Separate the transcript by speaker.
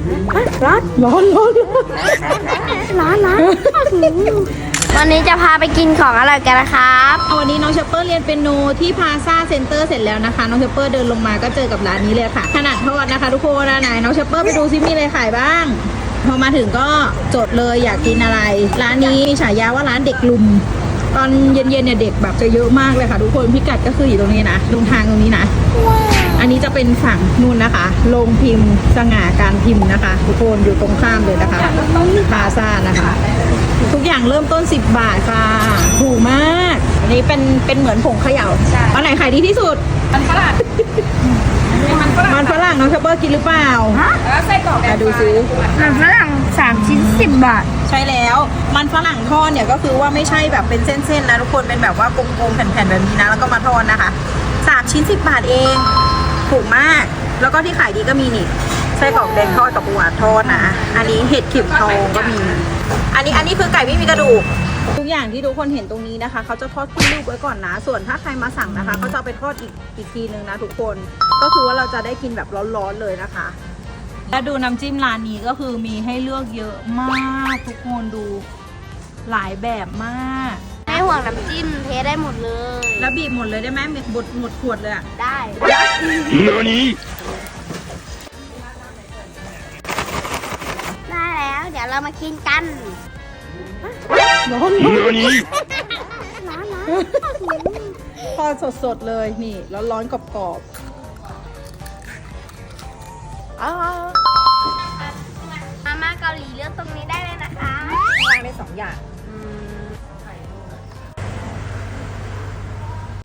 Speaker 1: ร้อน
Speaker 2: วันนี้จะพาไปกินของอร่อยกันนะครับ
Speaker 1: วันนี้น้องเชปเปอร์เรียนเปียโนที่พาซาเซ็นเตอร์เสร็จแล้วนะคะน้องเชปเปอร์เดินลงมาก็เจอกับร้านนี้เลยค่ะขนาดทอดนะคะทุกคนไหนน้องเชปเปอร์ไปดูซิมีอะไรขายบ้างพอมาถึงก็จดเลยอยากกินอะไร ร้านนี้ฉายาว่าร้านเด็กลุมตอนเย็นๆเนี่ยเด็กแบบจะเยอะมากเลยค่ะทุกคนพิกัดก็คืออยู่ตรงนี้นะตรงทางตรงนี้นะอันนี้จะเป็นฝั่งนู่นนะคะโรงพิมพ์สง่าการพิมพ์นะคะทุกคนอยู่ตรงข้ามเลยนะคะพาซานะคะทุกอย่างเริ่มต้น10 บาทค่ะถูกมากอันนี้เป็นเหมือนผงเขย่าอันไหนขายดีที่สุดมันฝรั่งน้องเชปเปอร์กินหรือเปล่าแล้วไส้กรอกดูซิ
Speaker 2: มันฝรั่ง3 ชิ้น 10 บาท
Speaker 1: ใช่แล้วมันฝรั่งทอดเนี่ยก็คือว่าไม่ใช่แบบเป็นเส้นๆนะทุกคนเป็นแบบว่ากลมๆแผ่นๆแบบนี้นะแล้วก็มาทอดนะคะ3 ชิ้น 10 บาทเองถูกมากแล้วก็ที่ขายดีก็มีนี่ไส้กรอกแดงทอดกับปูอัดทอดนะอันนี้เห็ดเข็มทองก็มีอันนี้คือไก่ไม่มีกระดูกทุกอย่างที่ทุกคนเห็นตรงนี้นะคะเขาจะทอดขึ้นรูปไว้ก่อนนะส่วนถ้าใครมาสั่งนะคะเขาจะเอาไปทอดอีกทีนึงนะทุกคนก็คือว่าเราจะได้กินแบบร้อนๆเลยนะคะและดูน้ำจิ้มร้านนี้ก็คือมีให้เลือกเยอะมากทุกคนดูหลายแบบมาก
Speaker 2: ไม่ห่วงน้ำจิ้มเทได้หมดเลย
Speaker 1: แล้วบีบหมดเลยได้ไหมหมดขวดเลยอะ
Speaker 2: ได้ ได้แล้ว เดี๋ยวเรามากินกัน
Speaker 1: ร้อน
Speaker 2: ร้อน
Speaker 1: ทอดสดๆเลยนี่ร้อนๆกรอบ
Speaker 2: มาม่าเกาหลีเลือกตรงนี้ได้เลยนะคะ
Speaker 1: ๆวางได้2 อย่าง